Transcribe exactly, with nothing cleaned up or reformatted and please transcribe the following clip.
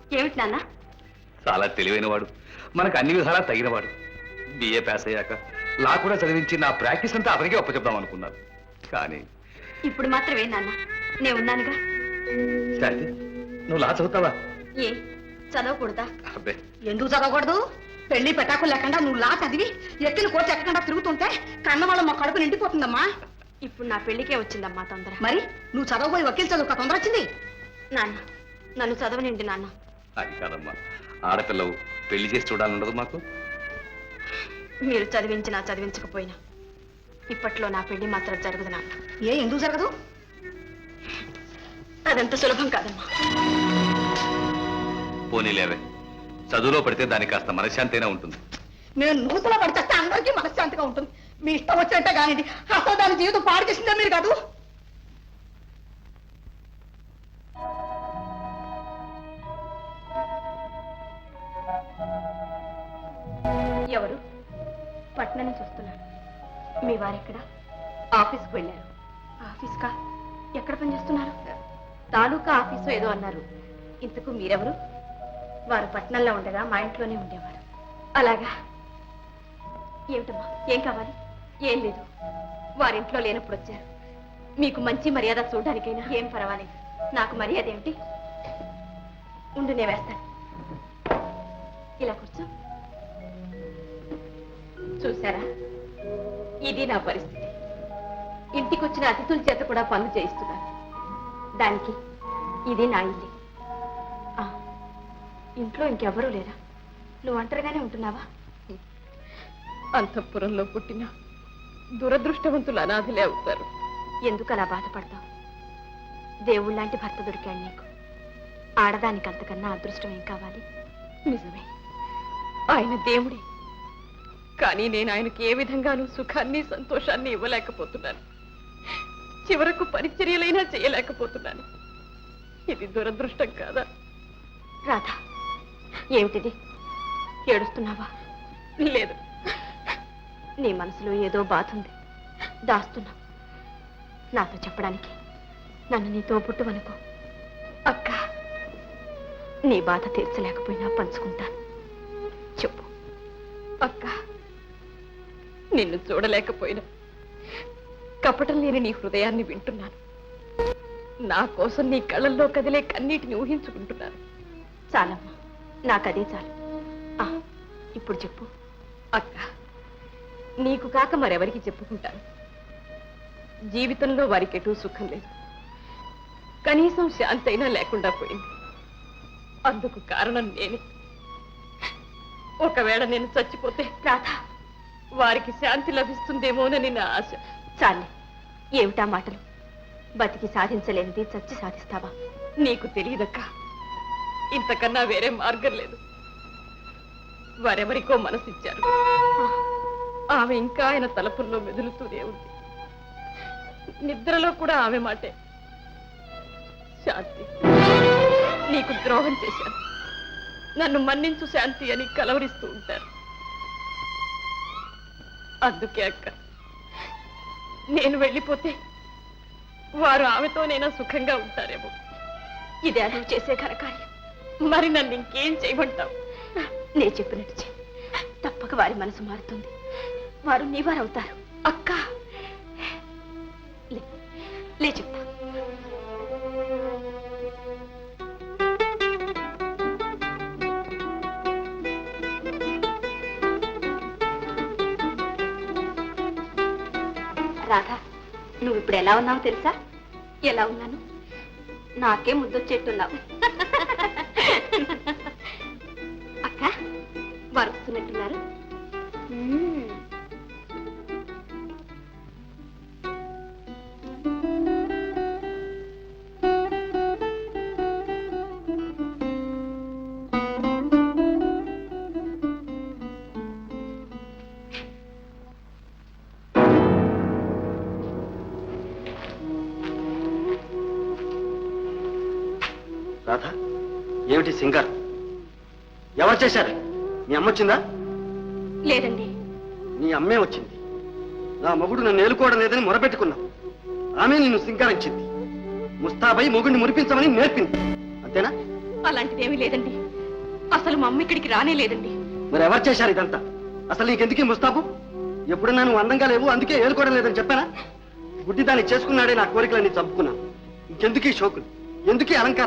ఏమిటి నాన్న? చాలా తెలివైన వాడు, మనకు అన్ని విధాలా తగినవాడు. బిఏ పాస్ అయ్యాక లా కూడా చదివించి నా ప్రాక్టీస్ అంతా అతనికే ఒప్పచెప్దాం అనుకున్నాను. కానీ ఇప్పుడు మాత్రమే నాన్న, నేను ఉన్నానుగా. శాంతి, నువ్వు లా చదువుతావా? ఏ చదవకూడదా? అబ్బే, ఎందుకు చదవకూడదు? పెళ్లి పెటాకులు లేకుండా నువ్వు లా చదివి ఎక్కిన కోర్టు ఎక్కకుండా తిరుగుతుంటే కన్నవాళ్ళ మా కడుపు నిండిపోతుందమ్మా. ఇప్పుడు నా పెళ్లికే వచ్చిందమ్మా తొందర. మరి నువ్వు చదవబోయి వకీల్ చదువు తొందర వచ్చింది. నాన్న, నన్ను చదవనిండి నాన్న. అది కాదమ్మా, ఆడపిల్లవు పెళ్లి చేసి చూడాలన్నది మాకు. మీరు చదివించినా చదివించకపోయినా ఇప్పట్లో నా పెళ్లి మాత్రం జరగదు నాన్న. ఏ ఎందుకు జరగదు? అదంత సులభం కాదమ్మా. పోనీలేవే, చదువులో పడితే దానికి కాస్త మనశ్శాంతైనా ఉంటుంది. నేను నూతులో పడితే అందరికీ మనశ్శాంతిగా ఉంటుంది. మీ ఇష్టం వచ్చినట్టే కానిది, అసలు దాని జీవితం పాడు చేసిందే మీరు కాదు. ఎవరు? పట్నం నుంచి వస్తున్నాను. మీ వారెక్కడ? ఆఫీస్కి వెళ్ళారు. ఆఫీస్కా? ఎక్కడ పనిచేస్తున్నారు? తాలూకా ఆఫీసు ఏదో అన్నారు. ఇంతకు మీరెవరు? వారు పట్నంలో ఉండగా మా ఇంట్లోనే ఉండేవారు. అలాగా? ఏమిటమ్మా, ఏం కావాలి? ఏం లేదు, వారింట్లో లేనప్పుడు వచ్చారు. మీకు మంచి మర్యాద చూడడానికైనా. ఏం పర్వాలేదు, నాకు మర్యాద ఏమిటి? ఉండు, నేను వేస్తాను. ఇలా కూర్చో. చూసారా, ఇది నా పరిస్థితి. ఇంటికి వచ్చిన అతిథుల చేత కూడా పనులు చేయిస్తున్నాను. దానికి ఇది నా ఇల్లు. ఇంట్లో ఇంకెవరూ లేరా? నువ్వు ఒంటరిగానే ఉంటున్నావా? అంతఃపురంలో పుట్టిన దురదృష్టవంతులు అనాథలే అవుతారు. ఎందుకు అలా బాధపడతావు? దేవుళ్ళలాంటి భర్త దొరికాడు నీకు. ఆడదానికి అంతకన్నా అదృష్టం ఏం కావాలి? నిజమే, ఆయన దేవుడే. కానీ నేను ఆయనకి ఏ విధంగానూ సుఖాన్ని సంతోషాన్ని ఇవ్వలేకపోతున్నాను. చివరకు పరిచర్యలైనా చేయలేకపోతున్నాను. ఇది దురదృష్టం కాదా? రాధా, ఏమిటిది? ఏడుస్తున్నావా? లేదు, నీ మనసులో ఏదో బాధ ఉంది, దాస్తున్నావు. నాతో చెప్పడానికి నన్ను నీతో పుట్టువనుకో. అక్క, నీ బాధ తీర్చలేకపోయినా పంచుకుంటాను. చెప్పు. అక్క, నిన్ను చూడలేకపోయినా కపటం లేని నీ హృదయాన్ని వింటున్నాను. నా కోసం నీ కళ్ళల్లో కదిలే కన్నీటిని ఊహించుకుంటున్నాను. చాలమ్మా, నాకదే చాలు. ఆ, ఇప్పుడు చెప్పు. అక్క, నీకు కాక మరెవరికి చెప్పుకుంటాను? జీవితంలో వారికెటూ సుఖం లేదు, కనీసం శాంతి అయినా లేకుండా పోయింది. అందుకు కారణం నేనే. ఒకవేళ నేను చచ్చిపోతే రాధా, వారికి శాంతి లభిస్తుందేమోనని నా ఆశ. చాలే, ఏమిటా మాటలు? బతికి సాధించలేనిది చచ్చి సాధిస్తావా? నీకు తెలియదక్క, ఇంతకన్నా వేరే మార్గం లేదు. వారెవరికో మనసిచ్చారు. ఆమె ఇంకా ఆయన తలపుల్లో మెదులుతూనే ఉంది. నిద్రలో కూడా ఆమె మాటే. శాంతి, నీకు ద్రోహం చేశాను, నన్ను మన్నించు శాంతి అని కలవరిస్తూ ఉంటారు. అందుకే అక్క, నేను వెళ్ళిపోతే వారు ఆమెతోనైనా సుఖంగా ఉంటారేమో. ఇదే నువ్వు చేసే ఘనకార్యం. మరి నన్ను ఇంకేం చేయమంటావు? నేను చెప్పినట్టు చెయ్యి. తప్పక వారి మనసు మారుతుంది. వారు నీవారవుతారు. అక్క, లే, లే చెప్తా. రాధా, నువ్వు ఇప్పుడు ఎలా ఉన్నావు తెలుసా? ఎలా ఉన్నాను? నాకే ముద్దొచ్చేట్టున్నావు. అక్క, వారు వస్తున్నట్టున్నారు. రాధా, ఏమిటి సింగర్? ఎవరు చేశారు? మీ అమ్మ వచ్చిందా? లేదండి. నీ అమ్మే వచ్చింది. నా మొగుడు నన్ను ఏలుకోవడం లేదని మొరపెట్టుకున్నావు. ఆమె నిన్ను సింగారించింది. ముస్తాబై మొగుడిని మురిపించమని నేర్పింది. అంతేనా? అలాంటిదేమీ లేదండి. అసలు మా అమ్మ ఇక్కడికి రానే లేదండి. మరి ఎవరు చేశారు ఇదంతా? అసలు నీకెందుకు ఈ ముస్తాబు? ఎప్పుడన్నా నువ్వు అందంగా లేవు అందుకే ఏలుకోవడం లేదని చెప్పానా? గుడ్డి దాన్ని చేసుకున్నాడే నా కోరికలన్నీ చంపుకున్నాను. ఇంకెందుకు ఈ షోకులు, ఎందుకు ఈ అలంకారం?